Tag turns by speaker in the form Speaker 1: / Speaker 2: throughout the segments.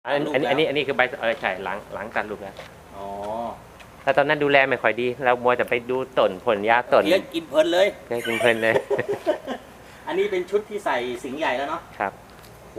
Speaker 1: อันนี้คือใบใช่หลังตัดลูกแล้ว
Speaker 2: อ๋อ
Speaker 1: แต่ตอนนั้นดูแลไม่ค่อยดีเรามัวจะไปดูต้นผลยาต้น
Speaker 2: เลี้ยงกินเพลินเลย
Speaker 1: กินเพลินเลย
Speaker 2: อันนี้เป็นชุดที่ใส่สิงห์ใหญ่แล้วเนาะ
Speaker 1: ครับ
Speaker 2: โห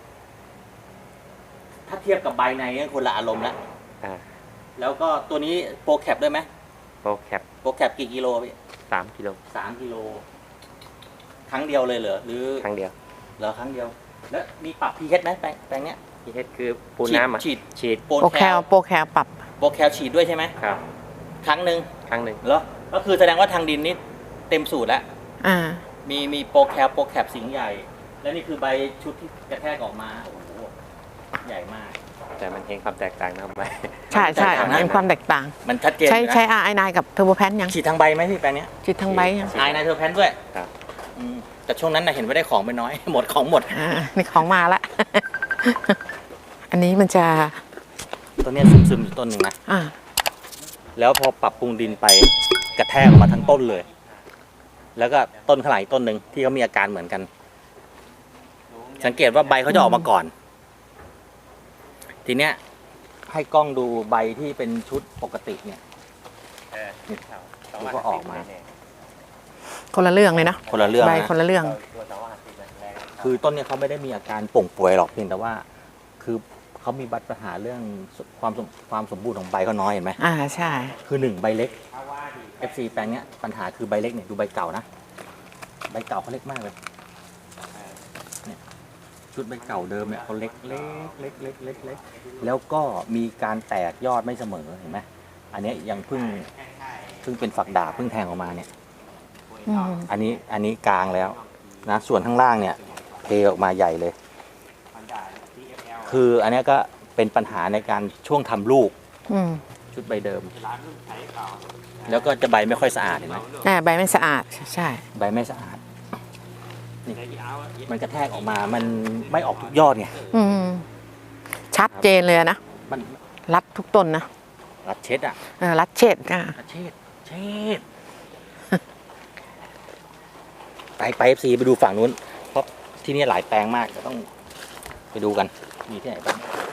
Speaker 2: ถ้าเทียบกับใบในก็คนละอารมณ์ละแล้วก็ตัวนี้โปรแคปด้วยไหม
Speaker 1: โปรแคป
Speaker 2: กี่กิโลพี่
Speaker 1: 3 กิโล
Speaker 2: 3 กิโลครั้งเดียวเลยเหรอหรือ
Speaker 1: ครั้งเดียว
Speaker 2: เหรอครั้งเดียวแล้วมีปรับ pH ไหมแปลงเนี้ย
Speaker 1: pH คือปูน้ำ
Speaker 2: ฉีด
Speaker 3: โปรแคลปรับ
Speaker 2: โปรแคลฉีดด้วยใช่ไหม
Speaker 1: ครับ
Speaker 2: ครั้งหนึ่งเหรอก็คือแสดงว่าทางดินนี่เต็มสูตรแล้วมีโปรแคปสิงห์ใหญ่แล้วนี่คือใบชุดที่กระแทกออกมาโอ้โหใหญ่มาก
Speaker 1: แต่มันเห็นความแตกต่างนะใบ
Speaker 3: ใช่เห็นความแตกต่าง
Speaker 2: มันชัดเจน
Speaker 3: ใช้RI9กับเทอร์โบแพนยัง
Speaker 2: ฉีดทางใบไหมพี่แปลงนี้
Speaker 3: ฉีดทางใบยัง
Speaker 2: RI9 เทอร์โบแพนด้วย
Speaker 1: ครับ
Speaker 2: แต่ช่วงนั้นเห็นว่าได้ของไปน้อยหมด
Speaker 3: นี่ของมาละอันนี้มันจะ
Speaker 2: ต้นนี้ซึมอยู่ต้นหนึ่งนะแล้วพอปรับปรุงดินไปกระแทกออกมาทั้งต้นเลยแล้วก็ต้นขลายต้นหนึ่งที่เขามีอาการเหมือนกันสังเกตว่าใบเขาจะออกมาก่อนทีเนี้ยให้กล้องดูใบที่เป็นชุดปกติเนี่ยก็ออกมา
Speaker 3: คนละเรื่องเลยนะ
Speaker 2: คนละเรื่อง
Speaker 3: ใบคนละเรื่อง
Speaker 2: คือต้นเนี่ยเขาไม่ได้มีอาการป่งป่วยหรอกเพียงแต่ว่าคือเขามีปัญหาเรื่องความสมบูรณ์ของใบเขาน้อยเห็นไหม
Speaker 3: ใช่
Speaker 2: คือ1ใบเล็ก FC แปลงเนี้ยปัญหาคือใบเล็กเนี่ยดูใบเก่านะใบเก่าเขาเล็กมากเลยเนี่ยชุดใบเก่าเดิมเนี่ยเขาเล็กแล้วก็มีการแตกยอดไม่เสมอเห็นไหมอันนี้ยังเพิ่งเป็นฝักดาบเพิ่งแทงออกมาเนี่ยอันนี้กลางแล้วนะส่วนข้างล่างเนี่ยเทออกมาใหญ่เลยคืออันนี้ก็เป็นปัญหาในการช่วงทำลูกชุดใบเดิมแล้วก็จะใบไม่ค่อยสะอาดเห็นไหม
Speaker 3: ใบไม่สะอาดใช่
Speaker 2: ใบไม่สะอาดนี่มันกระแทกออกมามันไม่ออกทุกยอดไง
Speaker 3: ชัดเจนเลยนะ
Speaker 2: มัน
Speaker 3: รัดทุกต้นนะ
Speaker 2: รัดเช็ด
Speaker 3: รัดเช็ด
Speaker 2: รัดเช็ดไป FC ไปดูฝั่งนู้นเพราะที่นี่หลายแปลงมากจะต้องไปดูกันมีที่ไหนบ้าง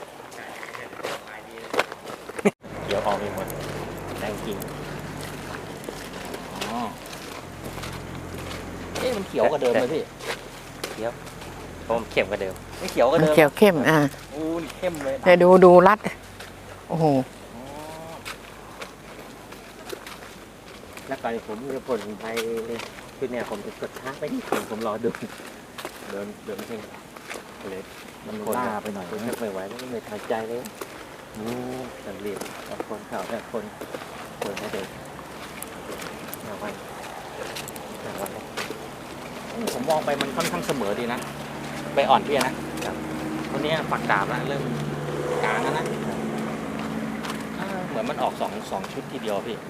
Speaker 2: เดี๋ยวออกไปหมดแรงจริงมันเขียวกว่าเดิมเลยพี่
Speaker 1: เขียวผมเข้มกว่าเดิม
Speaker 2: ไม่เขียวกว่าเดิม
Speaker 3: เขียวเข้ม
Speaker 2: นี่เข้มเลย
Speaker 3: แต่ดูรัดโอ้โห
Speaker 1: แล้วก่อนผมจะผลไปคือเนี่ยผมจะกดช้าไปนิดนึงผมรอดูเดินไม่ใช่เลย
Speaker 2: มันล่าไปหน่อย
Speaker 1: ไม่ไหวแล้วไม่ทันใจเลยสังเกตคนข่าวแต่คนไม่เด็กวัน
Speaker 2: ผมมองไปมันค่อนข้างเสมอดีนะใบอ่อนพี่นะตัวนี้ฝักดาบแล้วเริ่มกลางแล้วนะเหมือนมันออกสองชุดทีเดียวพี่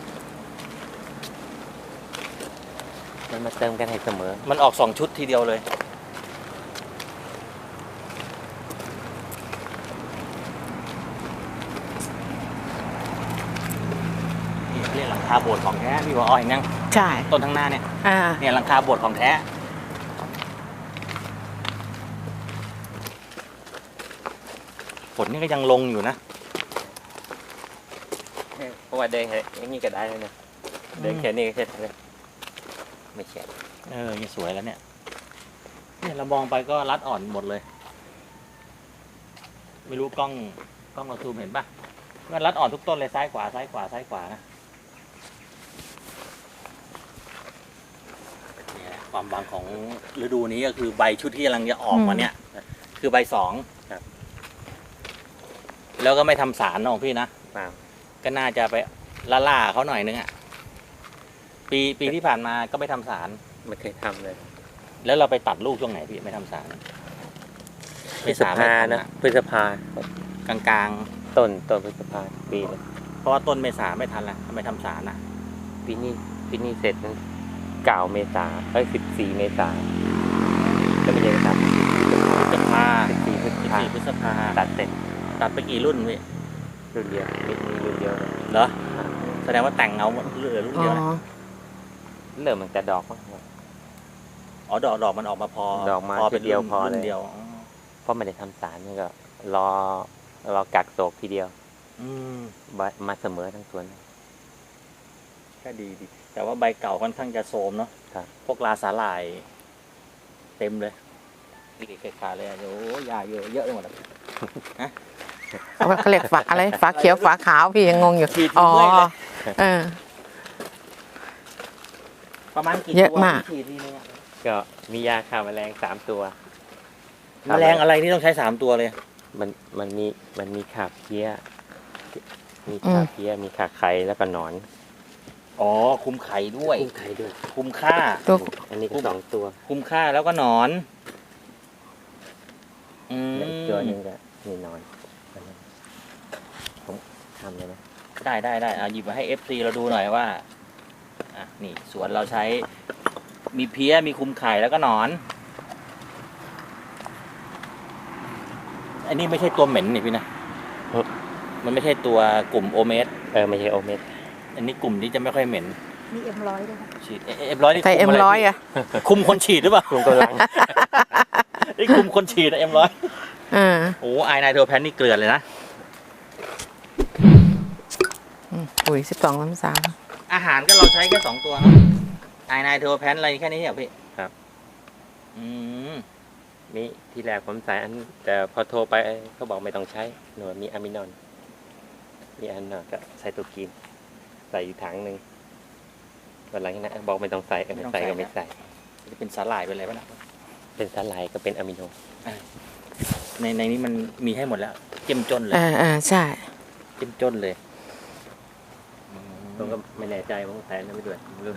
Speaker 1: มันมาเติมกันให้เสมอ
Speaker 2: มันออก2ชุดทีเดียวเลยเรียกหลังคาโบสถ์ของแท้พี่ว่าอ้อยนั่ง
Speaker 3: ใช่
Speaker 2: ต้นทั้งหน้าเนี่ยหลังคาโบสถ์ของแท้ฝนนี่ก็ยังลงอยู่นะ
Speaker 1: เพราะว่าเดินอย่างนี้ก็ได้เลยนะเดินแค่นี้ก็เสร็จเลยไม่แฉะ
Speaker 2: นี่สวยแล้วเนี่ยเรามองไปก็รัดอ่อนหมดเลยไม่รู้กล้องเราซูมเห็นป่ะว่ารัดอ่อนทุกต้นเลยซ้ายขวานะความหวังของฤดูนี้ก็คือใบชุดที่กำลังจะออกมาเนี่ยคือใบ2ครับแล้วก็ไม่ทำสารของพี่นะก็น่าจะไปล่าเขาหน่อยนึงปีที่ผ่านมาก็ไม่ทำสาร
Speaker 1: ไม่เคยทำเลย
Speaker 2: แล้วเราไปตัดลูกช่วงไหนพี่ไม่ทำสาร
Speaker 1: พฤษภานะพฤษภ
Speaker 2: กลาง
Speaker 1: ต้นพฤษภาปีเลย
Speaker 2: เพราะว่าต้นเมษาไม่ทันแล้วทำไมทำสาร
Speaker 1: ปีนี้เสร็จ9 เมษา14 เมษาก็ไม่ใช่ครับ
Speaker 2: พฤษภา
Speaker 1: 14 พฤษภาตัดเสร็จ
Speaker 2: ตัดไปกี่รุ่นพี่
Speaker 1: รุ่นเดียวมีรุ่นเดียว
Speaker 2: เหรอแสดงว่าแต่งเอาเหลือรุ่นเดียวนะ
Speaker 1: เริ่มมันจะดอก
Speaker 2: ดอกมันออกมาพอ
Speaker 1: ดอกมาเป็นเดียวพอเลย
Speaker 2: เดียว
Speaker 1: เพราะไม่ได้ทำสารนี่ก็รอรอกักโศกทีเดียว
Speaker 2: อืม
Speaker 1: มาเสมอทั้งสวน
Speaker 2: ก็ดี แต่ว่าใบเก่าค่อนข้างจะโทรมเนาะ
Speaker 1: ครับ
Speaker 2: พวกลาสาหร่าย เต็มเลยนี่ขาดเลยโอ้ยาเยอะเยอะไปหมดเลย
Speaker 3: เขาเรียกฝาอะไรฝาเขียวฝาขาวพี่ยังงงอยู่
Speaker 2: ฉีด
Speaker 3: อ๋อ
Speaker 2: เมื่อยเลย
Speaker 3: เออ
Speaker 2: ประมาณกี่
Speaker 3: เยอะ
Speaker 2: ตัว
Speaker 3: มาก
Speaker 2: ที่ฉีดทีนึงอะ
Speaker 1: ก็มียาฆ่าแมลง3 ตัว
Speaker 2: แมลงอะไรที่ต้องใช้3 ตัวเลย
Speaker 1: มันมีขาเพี้ย มีขาเพี้ย มีขาไข่แล้วก็หนอน
Speaker 2: อ๋อ คุมไข่ด้วย
Speaker 1: คุมไข่ด้วย
Speaker 2: คุมค่า
Speaker 3: ตัว
Speaker 1: อันนี้ก็2 ตัว
Speaker 2: คุมค่าแล้วก็หนอน อืม
Speaker 1: และอีกตัวหนึงก็มีหนอนอันนั้นผมทำเลยนะ
Speaker 2: ได้เอาหยิบมาให้ FC เราดูหน่อยว่า อ่ะ นี่สวนเราใช้ มีเพี้ย มีคุมไข่แล้วก็หนอน อันนี้ไม่ใช่ตัวเหม็นนี่พี่นะ มันไม่ใช่ตัวกลุ่มโอเมส
Speaker 1: ไม่ใช่โอเมส
Speaker 2: อันนี้กลุ่มที่จะไม่ค่อยเหม็น
Speaker 4: มีM100ด้วยค่ะ
Speaker 2: ฉีดM100นี่
Speaker 3: ใส่
Speaker 2: คุมะไร
Speaker 3: M100
Speaker 2: พี่
Speaker 3: อ่ะ
Speaker 2: คุมคนฉีดหรือเปล่า
Speaker 1: คุมกำลัง
Speaker 2: นี่คุมคนฉีดนะM100
Speaker 3: อ่า
Speaker 2: โอ้ไอนายโทแพนนี่เกลือนเลยนะ
Speaker 3: ปุ๋ย12-13
Speaker 2: อาหารก็เราใช้แค่2 ตัวเนาะไอนายโทแพนอะไรแค่นี้เหรอพี่
Speaker 1: ครับ
Speaker 2: อืม
Speaker 1: นี่ที่แรกผมใส่อัน แต่พอโทรไปเขาบอกไม่ต้องใช้หนูมีอะมินอน มีอันนอนก็ใส่ตัวกิน ใส่อยู่ถังหนึ่งวันหลังจากนั้นบอกไม่ต้องใส่ใส่ก็ไม่ใส่
Speaker 2: จะเป็นสาหร่ายเป็นอะไรบ้างนะ
Speaker 1: เป็นสาหร่ายก็เป็นอะมิโน
Speaker 2: ในนี้มันมีให้หมดแล้ว เจ้มจนเลย
Speaker 3: ใช่
Speaker 2: เจ้มจนเลย
Speaker 1: ผมก็ไม่แน่ใจว่าใส่แล้วไม่ด้วยไม่รู้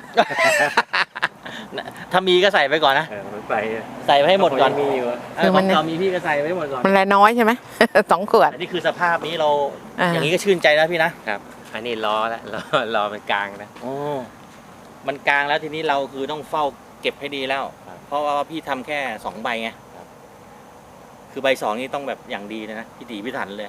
Speaker 2: ถ้ามีก็ใส่ไปก่อนนะ
Speaker 1: ผมใส่
Speaker 2: ใส่ไปให้หมดก่อน
Speaker 1: มีอยู่
Speaker 3: คือมัน
Speaker 2: ของเรามีพี่ก็ใส่ไปให้หมดก่อน
Speaker 3: มันแลน้อยใช่ไหม 2 ขวด
Speaker 2: อันนี้คือสภาพนี้เรา
Speaker 3: อ่า
Speaker 2: อย่างนี้ก็ชื่นใจนะพี่นะ
Speaker 1: ครับ อันนี้รอแล้วรอมันกลางนะ
Speaker 2: โอ้มันกลางแล้วทีนี้เราคือต้องเฝ้าเก็บให้ดีแล้ว
Speaker 1: ครับ
Speaker 2: เพราะว่าพี่ทำแค่2 ใบไง
Speaker 1: ครับ
Speaker 2: คือใบ2นี่ต้องแบบอย่างดีเลยนะพิถีพิถันเลย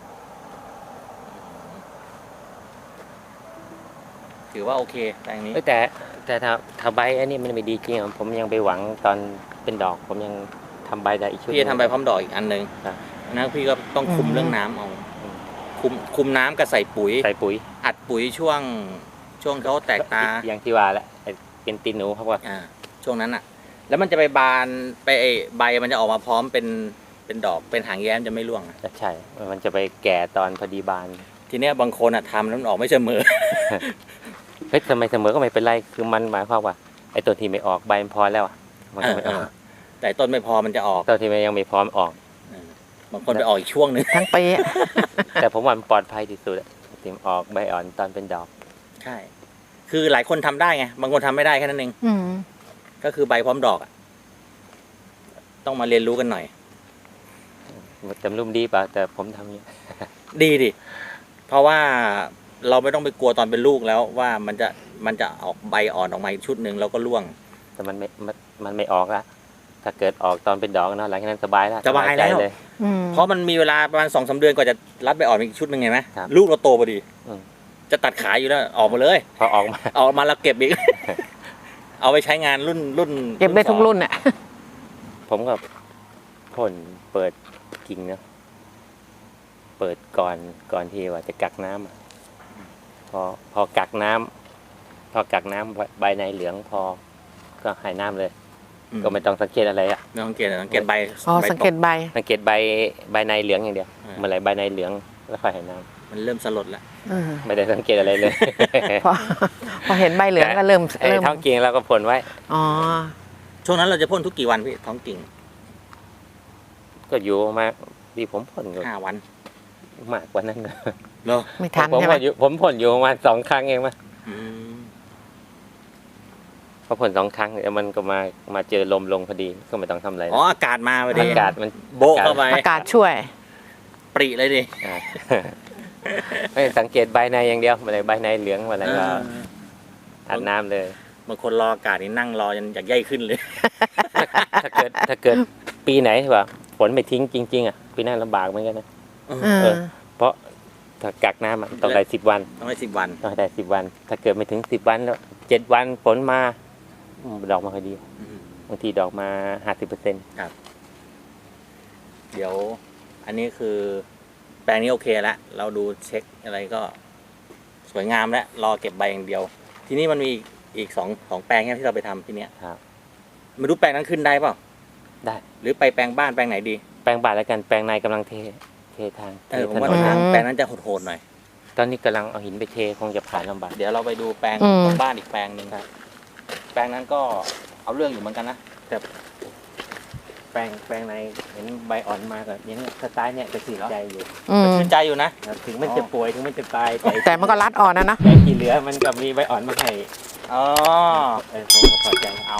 Speaker 2: ถือว่าโอเคแต่อย่างนี้
Speaker 1: แต่ถ้าใบอันนี้มันไม่ดีจริงผมยังไปหวังตอนเป็นดอก ผมยังทำใบได้อีกชุด
Speaker 2: พี่จะทำใบพร้อมดอกอีกอันหนึ่ง
Speaker 1: ครับ
Speaker 2: นะพี่ก็ต้องคุมเรื่องน้ำเอา คุมน้ำกับใส่ปุ๋ย
Speaker 1: ใส่ปุ๋ย
Speaker 2: อัดปุ๋ยช่วงเขาแตกตา
Speaker 1: อย่างที่ว่าแหละไอ้เป็นตีนหนูครับว่า
Speaker 2: ช่วงนั้นอ่ะ แล้วมันจะไปบานไปใบมันจะออกมาพร้อมเป็นดอกเป็นหางแย้มจะไม่ร่วงอะ
Speaker 1: ใช่ มันจะไปแก่ตอนพอดีบาน
Speaker 2: ทีเนี้ยบางคนอ่ะทำแล้วมันออกไม่เสมอ
Speaker 1: เฮ้ยทำไมเสมอก็ไม่เป็นไร คือมันหมายความว่าไอ้ตัวที่ไม่ออกใบมันพอแล้วอะมันก็ไม่ออก
Speaker 2: แต่ต้นไม่พอมันจะออก
Speaker 1: ตัวที่มันยังไม่พร้อมออก
Speaker 2: บางคนไปออกอีกช่วงหนึ่ง
Speaker 3: ทั้งปีอะ
Speaker 1: แต่ผมว่ามันปลอดภัยที่สุดอะที่ออกใบอ่อนตอนเป็นดอก
Speaker 2: ใช่ คือหลายคนทำได้ไง บางคนทำไม่ได้แค่นั้นเอง
Speaker 3: อืม
Speaker 2: ก็คือใบพร้อมดอกอะต้องมาเรียนรู้กันหน่อย
Speaker 1: จำรุ่มดีเปล่าแต่ผมทำเนี้ย
Speaker 2: ดีดิ เพราะว่าเราไม่ต้องไปกลัวตอนเป็นลูกแล้วว่ามันจะออกใบอ่อนออกมาอีกชุดหนึ่งแล้วก็ร่วง
Speaker 1: แต่มันไม่ออกละถ้าเกิดออกตอนเป็นดอกเนาะหลังจากนั้นสบายแล้ว
Speaker 2: สบายแล้ว
Speaker 1: ใจเลย
Speaker 3: อืม
Speaker 2: เพราะมันมีเวลาประมาณ2-3 เดือนกว่าจะรัดใบอ่อนอีกชุดหนึ่งไงไหม
Speaker 1: ครับ
Speaker 2: ลูกเราโตพอดี
Speaker 1: อืม
Speaker 2: จะตัดขายอยู่แล้วออกมาเลย
Speaker 1: พอออกมา
Speaker 2: ออกมาแล้วเก็บอีก เอาไปใช้งานรุ่น
Speaker 3: เก็บได้ทุกรุ่นอ่ะ
Speaker 1: ผมก็พ่นเปิดกิ่งเนาะเปิดก่อนที่ว่าจะกักน้ำอะพอกักน้ำใบในเหลืองพอก็ให้น้ำเลย ก็ไม่ต้องสังเกตอะไรอะ
Speaker 2: ไม่ต้องสังเกตใบ
Speaker 3: อ๋อ สังเกตใบ
Speaker 1: สังเกตใบในเหลืองอย่างเดียวเมื่อไหรใบในเหลืองแล้วค่อยให้น้
Speaker 2: มันเริ่มสลดแล้ว
Speaker 1: ำไม่ได้สังเกตอะไรเลย
Speaker 3: พอเห็นใบเหลืองก็เริ่ม
Speaker 1: ไอ้ท้องกิ่งเราก็พ่นไว้
Speaker 3: อ๋อ
Speaker 2: ช่วงนั้นเราจะพ่นทุกกี่วันพี่ท้องกิ่ง
Speaker 1: ก็อยู่มาที่ผมพ่นก็
Speaker 2: 5 วัน
Speaker 1: มากกว่านั้นนะ
Speaker 2: เหรอ
Speaker 3: ไม่ทัน
Speaker 1: ผม
Speaker 3: ใช่ไหม
Speaker 1: ผมพ่นอยู่ประมาณ2 ครั้งเองมั้ย
Speaker 2: อืม
Speaker 1: พอพ่น2 ครั้งแล้วมันก็มาเจอลมลงพอดีก็ไม่ต้องทำอะไร
Speaker 2: อ๋ออากาศมาพอดี
Speaker 1: อากาศมัน
Speaker 2: โบะเข้าไป
Speaker 3: อากาศช่วย
Speaker 2: ปริเลยดิ
Speaker 1: อ่า ไม่สังเกตใบในอย่างเดียวเมื่อไหรใบในเหลืองเมื่อไหรก็อาบน้ำเลย
Speaker 2: บางคนรออากาศนี่นั่งรอจนอยากย่ายขึ้นเลย
Speaker 1: ถ้าเกิดปีไหนว่าฝนไม่ทิ้งจริงๆอ่ะปีหน้าลำบากเหมือนกันนะ เพราะถ้ากักน้ำอะต้องได้10 วัน
Speaker 2: ต้องได้10 วัน
Speaker 1: ต้องได้10 วัน ถ้าเกิดไม่ถึง10 วันแล้ว7 วันฝนมาดอกมาพอดี บางทีดอกมา 50%
Speaker 2: เดี๋ยวอันนี้คือแปลงนี้โอเคแล้วเราดูเช็คอะไรก็สวยงามแล้วรอเก็บใบอย่างเดียว ทีนี้มันมีอีกสองแปลงที่เราไปทำที่เนี้ย
Speaker 1: ครับ
Speaker 2: ไม่รู้แปลงนั้นขึ้นได้เปล่า
Speaker 1: ได้
Speaker 2: หรือไปแปลงบ้านแปลงไหนดี
Speaker 1: แปลงบาทแล้วกันแปลงในกำลังเททาง
Speaker 2: ผม
Speaker 1: ถ
Speaker 2: ว่าน
Speaker 1: น
Speaker 2: ทางแปลงนั้นจะโหดๆหน่อย
Speaker 1: ตอนนี้กำลังเอาหินไปเทคงจะผ่านลำบาก
Speaker 2: เดี๋ยวเราไปดูแปลง
Speaker 3: อืม
Speaker 2: ตรงบ้านอีกแปลงหนึ่งครับ แปลงนั้นก็เอาเรื่องอยู่เหมือนกันนะ
Speaker 1: แปลงในเห็นใบอ่อนมากับอย่างเนี้ยสไตล์เนี่ยจะสื่อใจอยู่
Speaker 3: อืม
Speaker 2: ชื่นใจอยู่นะ
Speaker 1: ครับถึงมันจะป่วยถึงมันจะตาย
Speaker 3: แต่มันก็รัดอ่อนนะ
Speaker 1: แต่ที่เหลือมันก็มีใบอ่อนมาให้
Speaker 2: อ๋อ
Speaker 1: ผมก็พอใจเอา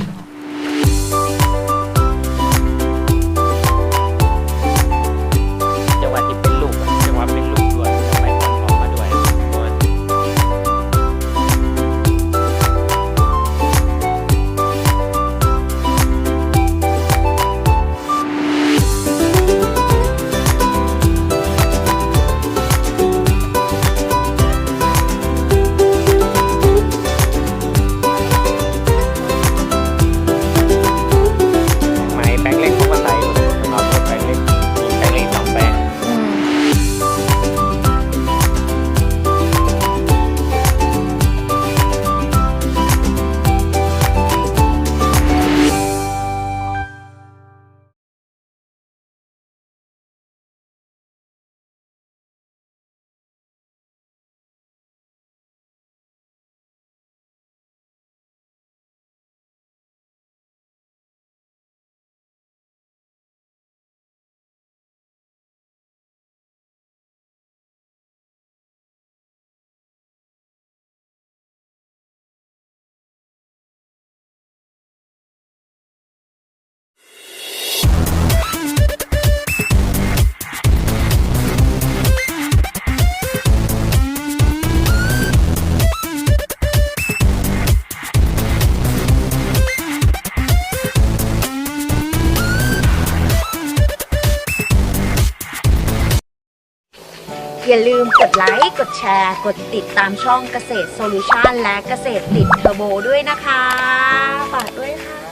Speaker 1: จังหวะที่เป็นลูกอะจังหวะเป็นลูกด้วยใบอ่อนออกมาด้วยเพราะว่า ไม้แปลงเล็กทุกวันใดสำหรับรถแปลงเล็กมีแปลงเล็ก2แปลง
Speaker 3: อืม
Speaker 4: อย่าลืมกดไลค์ กดแชร์ กดติดตามช่องเกษตรโซลูชันและเกษตรติดเทอร์โบด้วยนะคะ ฝากด้วยค่ะ